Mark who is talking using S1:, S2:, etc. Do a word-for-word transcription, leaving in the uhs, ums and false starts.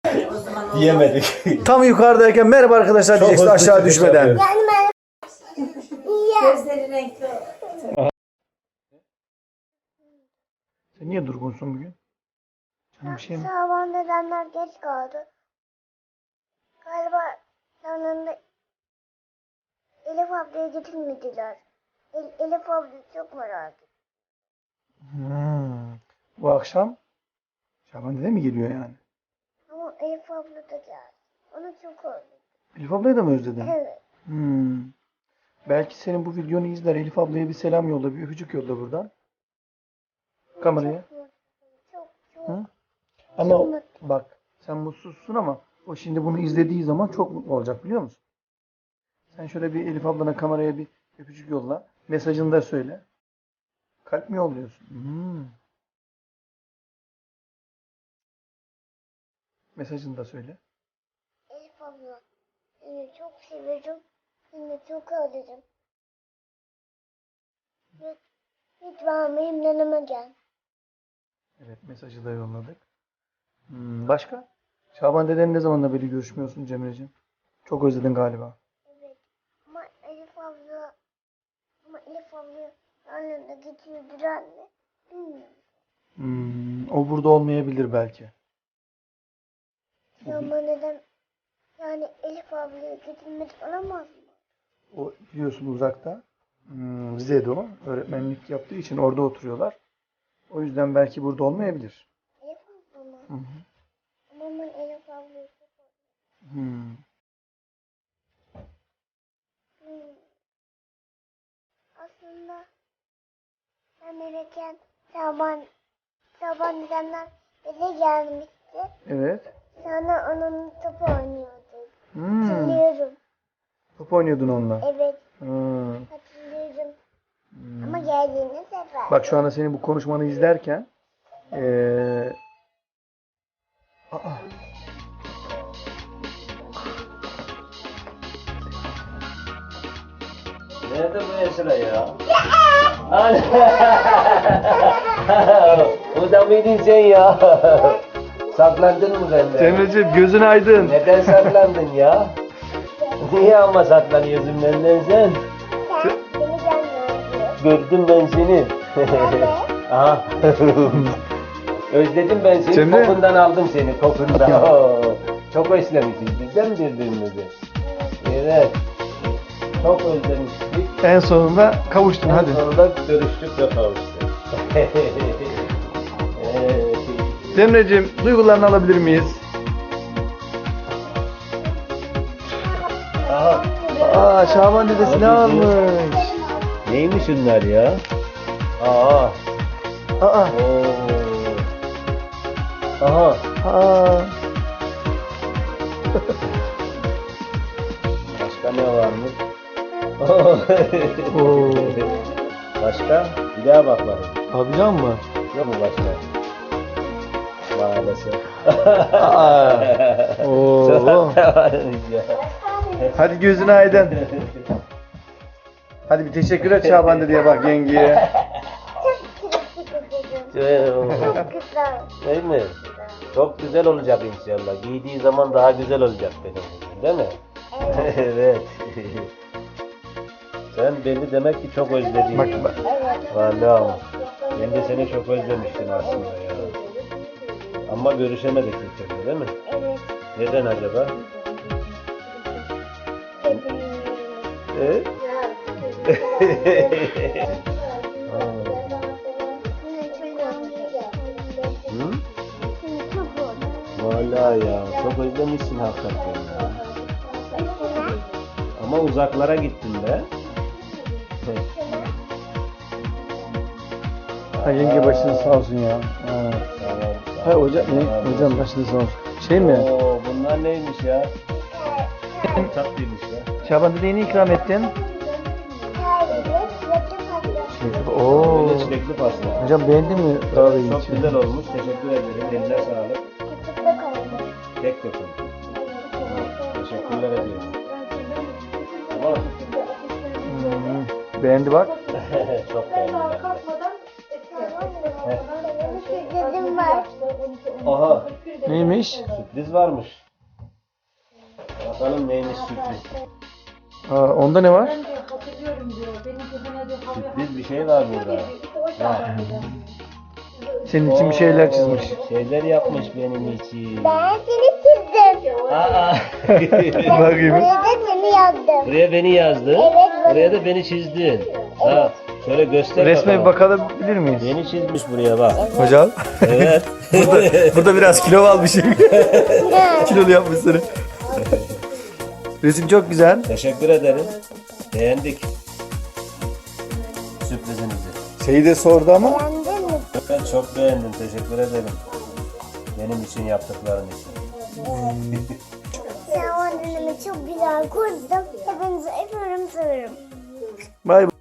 S1: Diyemedik.
S2: Tam yukarıdayken merhaba arkadaşlar diyeceksin aşağı düşmeden.
S3: Yani ben...
S4: Gözleri renkli.
S2: Sen niye durgunsun bugün? Canım bir şey mi?
S3: Sabah nedenler geç kaldı. Galiba yanında Elif ablaya getirmediler. El, Elif abla çok merak ettim.
S2: Hmm. Bu akşam Şaban dede mi geliyor yani?
S3: Ama Elif abla da geldi. Onu çok özledim.
S2: Elif ablayı da mı özledin?
S3: Evet.
S2: Hmm. Belki senin bu videonu izler. Elif ablaya bir selam yolla, bir öpücük yolla buradan. Kameraya.
S3: Çok çok.
S2: Hı? Ama bak sen mutsuzsun ama o şimdi bunu izlediği zaman çok mutlu olacak biliyor musun? Sen şöyle bir Elif ablana kameraya bir öpücük yolla. Mesajını da söyle. Kalp mi yolluyorsun? Hmm. Mesajını da söyle.
S3: Elif abla seni çok seviyorum. Seni çok özledim. Lüt- Lütfen benim yanıma gel.
S2: Evet mesajı da yolladık. Hmm, başka? Şaban dedenin ne zamanla beri görüşmüyorsun Cemre'ciğim? Çok özledin galiba.
S3: Evet. Ama Elif abla ama Elif abla yanına getirdiler mi? Bilmiyorum.
S2: Hmm, o burada olmayabilir belki.
S3: Ama neden yani Elif ablaya getirmedi olamaz mı?
S2: O biliyorsun uzakta. Hmm, Rize'de o. Öğretmenlik yaptığı için orada oturuyorlar. O yüzden belki burada olmayabilir.
S3: Elif abla mı?
S2: Hı hı.
S3: Ama ben Elif ablayı çok özledim.
S2: Hmm.
S3: Hmm. Aslında ben erken Şaban Şaban dedemler bize gelmişti.
S2: Evet.
S3: Sonra onun top oynuyorduk.
S2: Hmm.
S3: Hatırlıyorum.
S2: Top oynuyordun onunla.
S3: Evet.
S2: Hmm.
S3: Hatırlıyorum. Ama geldiğini sefer.
S2: Bak şu anda senin bu konuşmanı izlerken ee... Aa.
S1: Nerede bu Esra ya? Burada mıydın sen ya? Saklandın mı benden?
S2: Cemreciğim gözün aydın.
S1: Neden saklandın ya? Niye ama saklanıyorsun benden sen?
S3: Sen beni gelmiyorsun.
S1: Gördüm ben seni. Aha. Özledim ben seni.
S2: Cemre.
S1: Kokundan aldım seni kokundan. Oo, çok özlemişiz. Bizden mi birbirimizi? Evet. Çok özlemiştik.
S2: En sonunda kavuştun
S1: En
S2: hadi.
S1: sonunda görüştük ve kavuştuk. Evet.
S2: Cemreciğim duygularını alabilir miyiz?
S1: Aha.
S2: Aa Şaban dedesi ne almış?
S1: Neymiş bunlar ya? Aa.
S2: Aa.
S1: Oo. Aha.
S2: Aa.
S1: Başka ne varmış?
S2: Oo.
S1: Başka? Bir daha bak bakayım.
S2: Tabican mı?
S1: Yok mu başka? Maalesef.
S2: Aa. Oo. Hadi gözün aydın. Hadi bir teşekkür et Şaban dedeye bak yengeye.
S3: Çok güzel.
S1: Değil mi? Çok güzel olacak inşallah. Giydiği zaman daha güzel olacak benim kızım, değil mi?
S3: Evet.
S1: Evet. Sen beni demek ki çok özledin.
S2: Bak bak.
S1: Vallahi ben de seni çok özlemiştim aslında ya. Ama görüşemedik bir türlü, değil mi?
S3: Evet.
S1: Neden acaba? Evet. Hı? Vallahi ya çok özlemişsin hakikaten ya. Ama uzaklara gittin be.
S2: Ha yenge başınız sağ olsun ya. Ha.
S1: Tamam,
S2: Ha hocam, ne, hocam başınız sağ olsun. Şey mi?
S1: Oo, bunlar neymiş ya? Tatlıymış ya.
S2: Şaban dedeye ne ikram ettin? Şey, Oo.
S1: Böyle çilekli pasta.
S2: Hocam beğendin mi?
S1: Evet, çok güzel olmuş. Teşekkür ederim. Eline sağlık. Kek yapın. Teşekkürler ediyorum. Tamam.
S2: Hmm, beğendi bak.
S1: Çok beğendim. ben de.
S3: sürprizim var.
S1: Aha,
S2: Neymiş?
S1: sürpriz varmış. Bakalım neymiş sürpriz.
S2: Aa, onda ne var?
S1: Sürpriz bir şey var burada. Ha,
S2: Senin için bir şeyler çizmiş.
S1: şeyler yapmış benim için.
S3: Ben seni çizdim.
S1: Aa.
S2: Bakayım.
S3: Buraya da seni yazdım.
S1: Buraya beni yazdın.
S3: Evet.
S1: Buraya da beni çizdin. Ha, şöyle göster
S2: Resme bir
S1: bakalım.
S2: bakabilir miyiz?
S1: Beni çizmiş buraya bak.
S2: Hocam.
S1: Evet.
S2: burada, burada biraz kilo almışım. Kilolu yapmış seni. Resim çok güzel.
S1: Teşekkür ederim. Beğendik. Sürprizinizi.
S2: Şeyi de sordu ama.
S3: Beğendin mi?
S1: Ben çok beğendim. Teşekkür ederim. Benim için yaptıkların için.
S3: Sen o annemi çok güzel kurdun. Hepinizi öpüyorum, seviyorum.
S2: Bay bay.